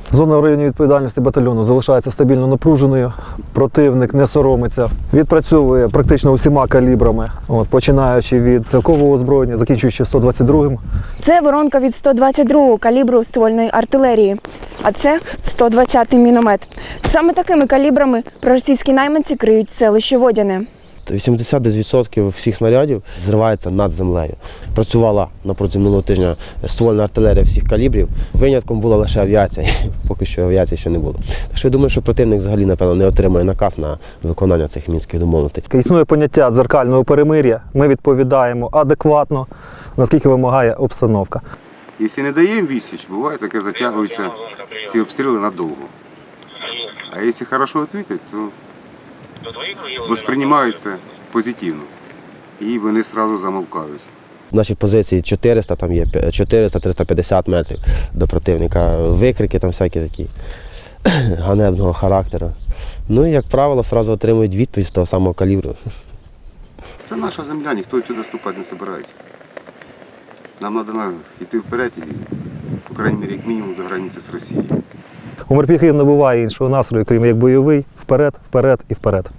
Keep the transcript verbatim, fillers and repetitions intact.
Зона в районі відповідальності батальйону залишається стабільно напруженою, противник не соромиться, відпрацьовує практично усіма калібрами, от, починаючи від стрілкового озброєння, закінчуючи сто двадцять другим. Це воронка від сто двадцять другого калібру ствольної артилерії, а це сто двадцятий міномет. Саме такими калібрами проросійські найманці криють селище Водяне. вісімдесят відсотків всіх снарядів зривається над землею. Працювала напроти минулого тижня ствольна артилерія всіх калібрів. Винятком була лише авіація, поки що авіації ще не було. Так що я думаю, що противник взагалі, напевно, не отримає наказ на виконання цих мінських домовленостей. Існує поняття дзеркального перемир'я, ми відповідаємо адекватно, наскільки вимагає обстановка. Якщо не даємо відсіч, буває таке, затягуються ці обстріли надовго. А якщо добре відповідати, то восприймаються позитивно і вони одразу замовкають. Наші позиції чотириста, там є чотириста - триста п'ятдесят метрів до противника. Викрики там всякі такі ганебного характеру. Ну і, як правило, одразу отримують відповідь з того самого калібру. Це наша земля, ніхто сюди вступати не збирається. Нам треба йти вперед і, по крайній мірі, як мінімум до границі з Росією. У морпіхів не буває іншого настрою, крім як бойовий, вперед, вперед і вперед.